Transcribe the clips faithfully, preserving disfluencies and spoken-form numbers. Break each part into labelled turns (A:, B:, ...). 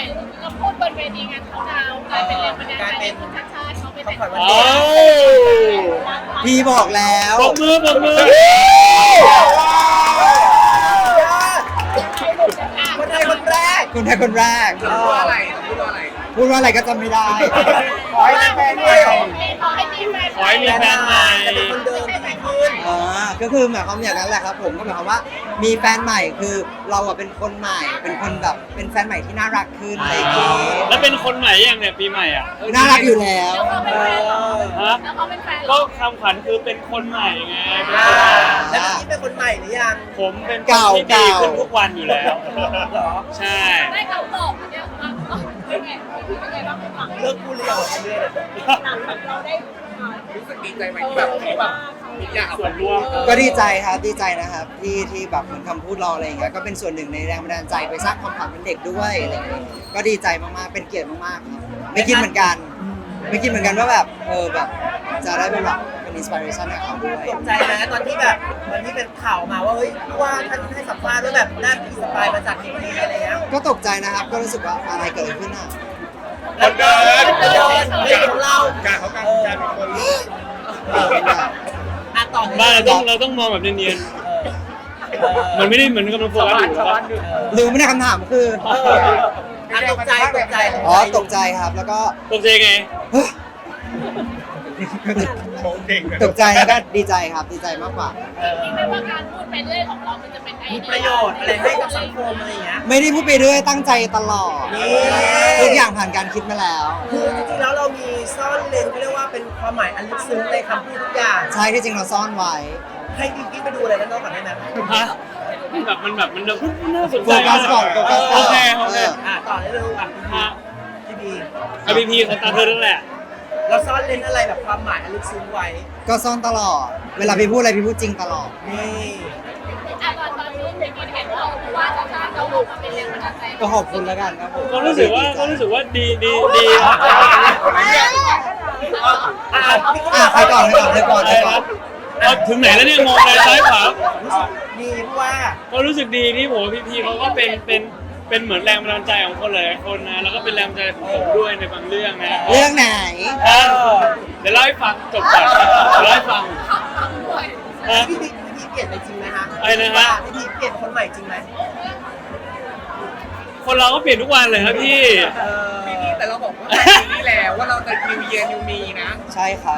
A: อยเราพูดบนเวทีงานเขาดาวกลายเป็นแรงบันดาลใจให้คุณชาติชาติเขาไปแต่ง
B: โอ้พี่บอกแล้วปรบมือปรบมือ
C: คนไทยคนแรก
B: คนไทยคนแรก
C: พูดว่าอะไรพูดว่าอะไร
B: พูดว่าอะไรก็จำไม่ได้
C: ขอให้มีแฟนด้วยเหรอ
A: ขอให้มีแฟน
D: ขอให้มีแฟนใหม่
C: เป็นคนเดิมที่ดีขึ้น
B: อ่าก็คือหมายความอย่างนั้นแหละครับผมก็หมายความว่ามีแฟนใหม่คือเราอะเป็นคนใหม่ เป็นคนแบบเป็นแฟนใหม่ที่น่ารักขึ้นอะไรอย่างเงี้ย
D: แล้วเป็นคนใหม่ยังเนี่ยปีใหม่อ่ะ
B: น่ารักอยู่แล้ว
A: แล้วเขาเป็นแฟนเหรอ
D: ฮะ
A: แล้วเขาเป็นแฟนเหร
D: ก็
A: อ
D: คำขวัญคือเป็นคนใหม่ไงเป็น
C: อ่า
D: คนใหม่
C: แล้วนี่เป็นคนใหม่หรือยัง
D: ผมเป็นคนที่ดีขึ้นทุกวันอยู่แล้ว
C: เหรอ
D: ใช่
A: ได้เขาบอกเนี่ยว่าเป็นไงเป็นไงบ้างหลัง
C: เลิกพูดหรือยังเรื่อย
A: หลังเราได้
C: รู้สึกดีใจไหมที่แบบแบบอยาก
D: ส่วนรวม
B: ก็ดีใจครับดีใจนะครับที่ที่แบบเหมือนคำพูดเราอะไรอย่างเงี้ยก็เป็นส่วนหนึ่งในแรงบันดาลใจไปสร้างความฝันเป็นเด็กด้วยอะไรอย่างเงี้ยก็ดีใจมากๆเป็นเกียรติมากๆครับไม่คิดเหมือนกัน ไม่คิดเหมือนกันว่าแบบเออแบบจะได้เป็นแบบเป็นอินสปิเรชันให้เขาด้วย
C: ตกใจนะตอนที่แบบวันที่เป็นข่าวมาว่าเฮ้ยว่าท่านให้สัมภาษณ์ว่าแบบน่าอินสปายมาจากที่นี่อะไรเงี้ย
B: ก็ตกใจนะครับก็รู้สึกว่าอะไรเกิดขึ้นอ่ะ
C: คนเดินคนเดินไม่ใช่ของเรา
E: การเขาการการเป็นคน
C: อ่ะต่อ
D: บ้านเราต้องเราต้องมองแบบเนียนๆมันไม่ได้เหมือนกำลังโฟกัสอยู่แล้ว
B: หรือไม่ได้คำถามคือ
C: เอออ่ะตกใจตกใจ
B: อ๋อตกใจครับแล้วก็
D: ตกใจไง
B: เฮ้ย
E: โชว์เก่งเลย
B: ตกใจแล้วก็ดีใจครับดีใจมากกว่า
A: จริงๆไม่ว่าการพูดไปเรื่อยของเรามันจะเป็นไอ
C: มี
A: เดีย
C: ประโยชน์อะไรให้กับสังคมอะไรอย่างเงี้ย
B: ไม่ได้พูดไปเรื่อยตั้งใจตลอด
C: นี่
B: ทุกอย่างผ่านการคิดมาแล้ว
C: คือจริงๆแล้วเรามีซ่อนเลนเขาเรียกว่าเป็นความหมายอันลึกซึ้งในคำพูดทุกอย่าง
B: ใช่ที่จริงเราซ่อนไว้
C: ให้พี่กิ๊กไปดูอะไรด้านนอกก่อนได้ไหม
D: ฮะมันแบบมันแบบมันแบบน่าสน
B: โฟ
D: ใจ
B: กัสก่อนโฟกัสก่
D: โอ
B: อน
D: เคโอเค
C: อ่ะต่อได้เลยอ่ะ
D: ฮะ
C: พี่บี
D: อพีพีของตาเธอนั่นแหละ
C: เราซ่อนเลนอะไรแบบความหมายอันลึกซึ้งไว้
B: ก็ซ่อนตลอด เวลาพี่พูดอะไรพี่พูดจริงตลอด
C: นี่
A: อ่ะตอนตอนนี้เป็นกินเห็นว่าว่าชาติชาติเราออกมาเป็นแรงบันดาลใจ
B: ก็ขอบคุณแล้วกันครับผม
D: ก็รู้สึกว่าก็รู้สึกว่าดีดีดี
C: อ่ะอ่ะพี่กิ๊ก
B: อ่ะใครก่อนใครก่อนใครก่อน
D: อะ
B: ใคร
D: ไร
B: ก่อ
D: นะ
B: น
D: เอาถึงไหนแล้วเนี่ยมองไปซ้ายขวา
C: ดีเพราะว่า
D: ก็รู้สึกดีที่ผมพี่พีเขาก็เป็นเป็นเป็นเหมือนแรงบันดาลใจของคนหลายๆคนนะแล้วก็เป็นแรงบันดาลใจของผมด้วยในบางเรื่องนะ
B: เรื่องไหน
D: อ่ะเดี๋ยวเล่าให้ฟังจบก่อนเดี๋ยวเล่าให้ฟังฮะ
C: พี่บีพี่บีเปลี่ยนไปจริงไหมฮะ
D: อะไรนะฮะ
C: พี่บีเปลี่ยนคนใหม่จริงไหม
D: คนเราก็เปลี่ยนทุกวันเลยครับพี่
C: พี่บีแต่เราบอกว่าปีนี้แล้วว่าเราจะ New Year New Me นะ
B: ใช่ครับ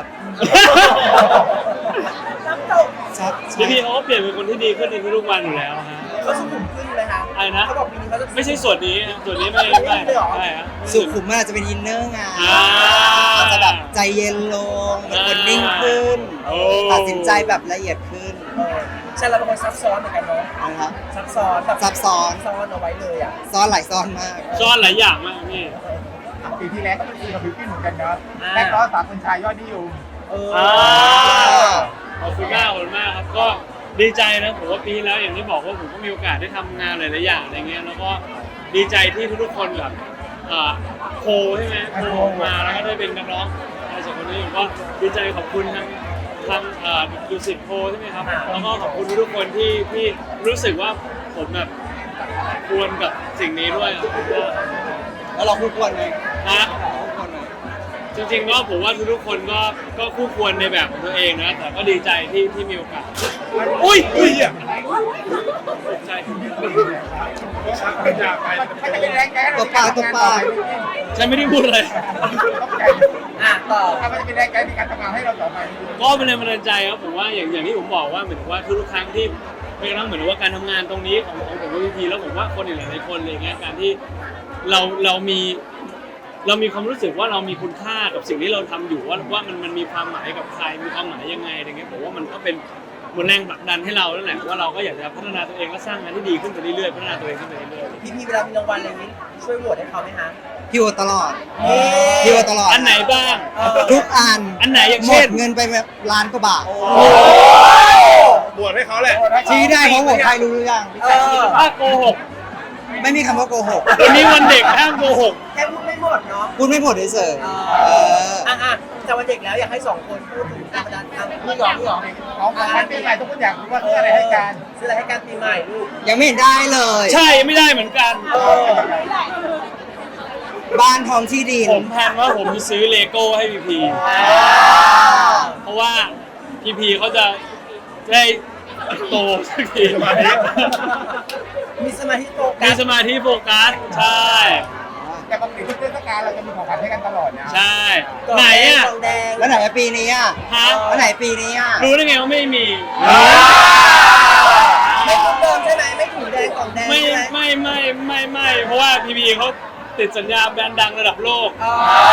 C: น้ำตก
B: ชัด
D: พี่พีเขาก็เปลี่ยนเป็นคนที่ดีขึ้นในทุกๆวันอยู่แล้วฮะ
C: เขาสุขุมขึ้นเลยฮะ
D: อะไรนะ
C: เขาบอกปีนี้เขาจะ
D: ไม่ใช่ส่วนนี้นะส่วนนี้ไม่ไม่ใช่ฮะ
B: สุขุมมันอาจจะเป็นอินเนอร์ไง
D: อ่า
B: อาจจะแบบใจเย็นลงเป็นคนนิ่งขึ้น
D: โอ้
B: ตัดสินใจแบบละเอียดขึ้น
C: เออใช่เราเป็นคนซับซ้อนเหมือนกันเนาะ
B: นะครับ
C: ซับซ้อนแบบ
B: ซับซ้อน
C: ซ้อนเอาไว้เลยอ่ะ
B: ซ่อนหลายซ่อนมาก
D: ซ่อนหลายอย่างมากพี่
E: ปีที่แล้วก็เป็นปีกับบิวกิ้นเหมือนกันเนาะและก็สามคนชายยอดนิยม
C: เออ
D: อ่าขอบคุณมากขอบคุณมากครับก็ดีใจนะผมว่าปีที่แล้วอย่างที่บอกว่าผมก็มีโอกาสได้ทำงานหลายๆอย่างอะไรเงี้ยแล้วก็ดีใจที่ทุกๆคนแบบเอ่อโคใช่ไหมโคมาแล้วก็ได้เป็นนักร้องอะไรสองคนนี้ผมก็ดีใจขอบคุณทางทางเอ่อดูสิตโคใช่ไหมครับแล้วก็ขอบคุณทุกๆคนที่ที่รู้สึกว่าผมแบบควรกับสิ่งนี้ด้วยผมก็
B: แล้วเราคู่ควรไหม
D: นะ
B: คู่ควรไหม
D: จริงๆก็ผมว่าทุกๆคนก็ก็คู่ควรในแบบของตัวเองนะแต่ก็ดีใจที่ที่มีโอกาสอุ้ยอุ้ยอ่ะตกใจ
E: อยากไปไม่จะเป็นแรงแก๊ส
B: ตัวปลาตัวปลา
D: ฉันไม่ได้พูดอะไร
C: อ่ะต่อ
E: ถ้ามันจะเป็นแรงแก๊สในการทำงานให้เราต่อไป
D: ก็เป็นแรงบันดาลใจครับผมว่าอย่างอย่างที่ผมบอกว่าเหมือนว่าทุกๆครั้งที่ไม่กระทั่งเหมือนว่าการทำงานตรงนี้ของของผมกับพีพีแล้วผมว่าคนอีกหลายๆคนเลยเงี้ยการที่เราเรามีเรามีความรู้สึกว่าเรามีคุณค่ากับสิ่งที่เราทำอยู่ว่าว่ามันมันมีความหมายกับใครมีความหมายยังไงอะไรเงี้ยผมว่ามันก็เป็นเหมือนแรงผลักดันให้เราแล้วแหละว่าเราก็อยากจะพัฒนาตัวเองและสร้างงานที่ดีขึ้นไปเรื่อยๆพัฒนาตัวเองขึ้นไปเรื่อย
C: พี่พีเวลามีรางวัลอะไรอย่างนี้ช่วยโหวตให้เขาไหมฮะ
B: พี่โอตลอด
C: เอ๊ะ
B: พี่โอตลอด
D: ๆอันไหนบ้าง
C: เออ
B: ทุกอัน
D: อันไหนอย่าง
B: หม
D: เช่
B: ด
D: น
B: เงินไปแบบล้านกว่าบาท
E: บวชให้เขาแหละ
B: ชี้ได้เพราะผมใครรู้หรือยัง
C: เออ
D: ถ้าโกหก
B: ไม่มีคำว่าโกหก
D: วันนี้วันเด็กห้ามโกหก
C: แค่พูดไม่หมดเนาะ
B: พูดไม่หมดเฉย
C: เอ
B: ๆเอ
C: อ
B: อ
C: อ่ะอ่ะแต่วันเด็กแล้วอยากให้สองคนพูดถึงการดันทางพี่หยองพี่หยอง
E: ของขวัญปีใหม่ทุกคนอยากรู้ว่าซื้ออะไรให้กัน
C: ซื้ออะไรให้กันปีใหม่ลูก
B: ยังไม่เห็นได้เลย
D: ใช่ไม่ได้เหมือนกัน
C: เออ
B: บ้านพร้อมที่ดิน
D: ผมแพลนว่าผมจะซื้อเลโก้ให้พีพีเพราะว่าพีพีเขาจะได้โตสักที
C: มีสมาธิโฟกั
D: มี
C: ส
D: สมาธิโฟกัสใช่
E: แต่ปกติทุกเทศกาลเราจะมีของขวัญให้กันตลอดนะ
D: ใช่ ไหนอ่ะ
C: กล่องแดง
B: แล้วไหนอะปีนี้อ่ะ
D: ฮะ
B: แล้วไหนปีนี้อ่ะ
D: รู้ได้ไงว่าไม่มี
C: ไม่ถุงเดิมใช่ไหมไม่ถุงแดงกล่องแดง
D: ไม่
C: ใช่ไหม
D: ไม่ไม่ไม่ไม่เพราะว่าพีพีเขาติดสัญญาแบรนด์ดังระดับโลก
C: อ๋อ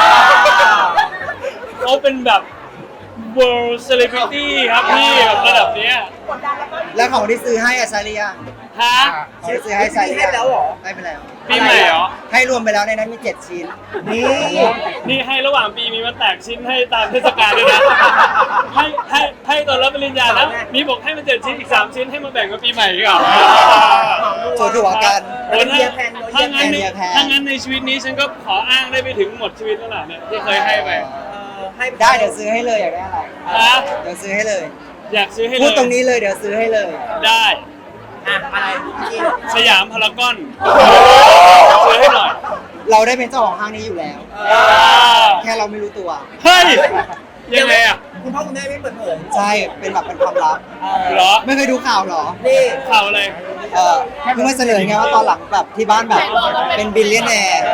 D: เขาเป็นแบบ world celebrity ครับพี่แบบระดับเนี้ย
B: แล้วของที่ซื้อให้อะใช้หรือยัง
D: ฮะ
B: ของที่ซื้อให้ใช้หรือยัง
C: ให้แล้วเหรอ
B: ให้ไปแล้ว
D: ปีใหม่เหรอ
B: ให้รวมไปแล้วในนั้นมีเจ็ดชิ้น
C: นี่
D: นี่ให้ระหว่างปีมีมาแตกชิ้นให้ตามเทศกาลด้วยนะ ให้ให้ให้ตอนรับปริญญานะมีบอกให้มาเจ็ดชิ้นอีกสามชิ้นให้มาแบ่งกับปีใหม่ดีกว่า
B: โจถั่วกัน
D: โอ้ถ้าถ้างั้นใน
B: เยียร์แพน
D: ถ้างั้นในชีวิตนี้ฉันก็ขออ้างได้ไปถึงหมดชีวิตแล้วล่ะเนี่ยที่เคยให้ไป
C: เออให้
B: ได้เดี๋ยวซื้อให้เลยอยากได้อะไร
D: ฮะ
B: เดี๋ยวซื้อให้เลย
D: อยากซื้อให้เลย
B: พูดตรงนี้เลยเดี๋ยวซื้อให้เลย
D: ได้
C: อ่ะอะไรจริง
D: สยามพารากอนซื้อให้หน่อย
B: เราได้เป็นเจ้าของห้างนี้อยู่แล้ว
D: อ่า
B: แค่เราไม่รู้ตัว
D: เฮ้ยยังไงอ่ะ
C: คุณพ่อคุณแม่ไม่เปิดเผย
B: ใช่เป็นแบบเป็นความลับ
C: เออ
D: เหรอ
B: ไม่เคยดูข่าวเหรอ
C: นี่
D: ข่าวอะไร
B: เออเพิ่งมาเสนอไงว่าตอนหลังแบบที่บ้านแบบเป็นบิลเลียนแนร์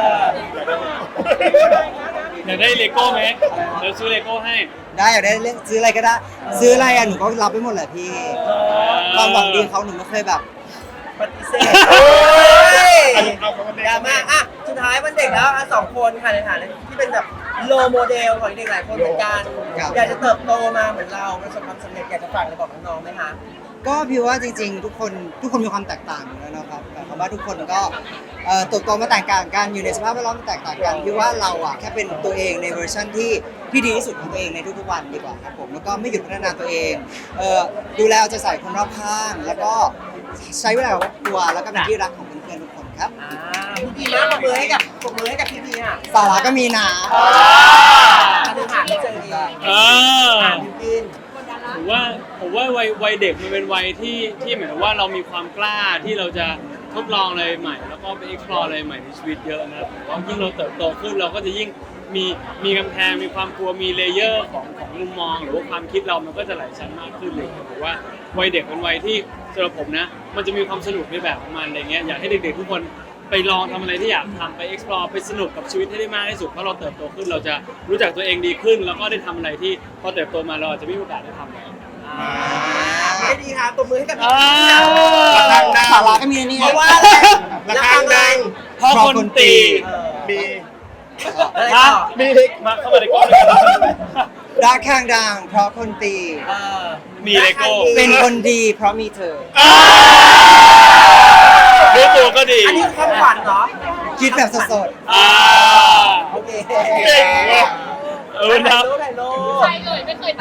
D: อยากได้เลโก้ไหมเดี๋ยวซื้อเลโก้ให้
B: ได้อยากได้เรื่องซื้ออะไรก็ได้ ซื้ออะไรอ่ะหนูก็รับไปหมดแหละพี่ความหวังดีเขาหนูไม่เคยแบบ
C: ปฏิเสธดราม่าอ่ะสุดท้ายวันเด็กแล้วอ่ะสองคนค่ะในฐานะที่เป็นแบบโลโมเดลของเด็กหลายคนเหมือนกัน
B: ครับ
C: อยากจะเติบโตมาเหมือนเราประสบความสำเร็จอยากจะฝากอะไรบอกน้องๆไหมคะ
B: ก็พี่ว่าจริงๆ ทุกคนทุกคนมีความแตกต่างอยู่แล้วนะครับหมายความว่าทุกคนก็เอ่อเติบโตมาแตกต่างกันอยู่ในสภาพแวดล้อมที่แตกต่างกันพี่ว่าเราอ่ะแค่เป็นตัวเองในเวอร์ชันที่ที่ดีที่สุดของตัวเองในทุกๆวันดีกว่าครับผมแล้วก็ไม่หยุดพัฒนาตัวเองเอ่อดูแลเอาใจใส่คนรอบข้าง แล้วก็ใช้เวลากับครอบครัวแล้วก็เป็นที่รักของเพื่อนๆทุกคนครับ
C: อ่าพี่พีนะปรบมือให้กับปรบมือให้กับพี่พีอ่ะ
B: สาระก็มีนะ
C: มาถึงหาไม่เจอดี
D: เออ
C: อ่าพี่พีน
D: ผมว่าผมว่าวัยวัยเด็กมันเป็นวัยที่ที่เหมือนกับว่าเรามีความกล้าที่เราจะทดลองอะไรใหม่ แล้วก็ไป explore อะไรใหม่ในชีวิตเยอะนะครับผมว่ายิ่งเราเติบโตขึ้นเราก็จะยิ่งมีมีกำแพงมีความกลัวมีเลเยอร์ของของมุมมอง หรือว่าความคิดเรามันก็จะหลายชั้นมากขึ้นเลยผมว่าวัยเด็กเป็นวัยที่สำหรับผมนะ มันจะมีความสนุกในแบบของมันอะไรเงี้ยอยากให้เด็กๆทุกคนไปลองทำอะไรที่อยากทำไป explore ไปสนุกกับชีวิตให้ได้มากที่สุดเพราะเราเติบโตขึ้นเราจะรู้จักตัวเองดีขึ้น แล้วก็ได้ทำอะไรที่พอเติบโตมาเราอาจจะไม่มีโอกาสได้ทำเลย
C: อ่าไม่ดีค่ะปรบมือให้กับพี่
D: อ่า
C: พีน
B: สาระก็มีนะเนี่ย
C: เพราะว่าอะไรราคาแรง
D: เพราะคนตี
C: มี
B: เออ
C: อะไร
D: ฮะ
C: ต่อ
D: มีมาเข้ามาในกล้องด้วยกัน
B: รักข้างดังเพราะคนตี
C: เออ
D: มีเลโก้
B: เป็นคนดีเพราะมีเธอ
D: รู้ตัวก็ดี
C: อันนี้คำขวัญเหรอ
B: คิดแบบสด
D: อ่า
C: โอเค
D: เก่งว่ะเออ
C: ถ่า
D: นะ
C: ยรูปถ่ายรูป
A: ใครเลยไม่เคย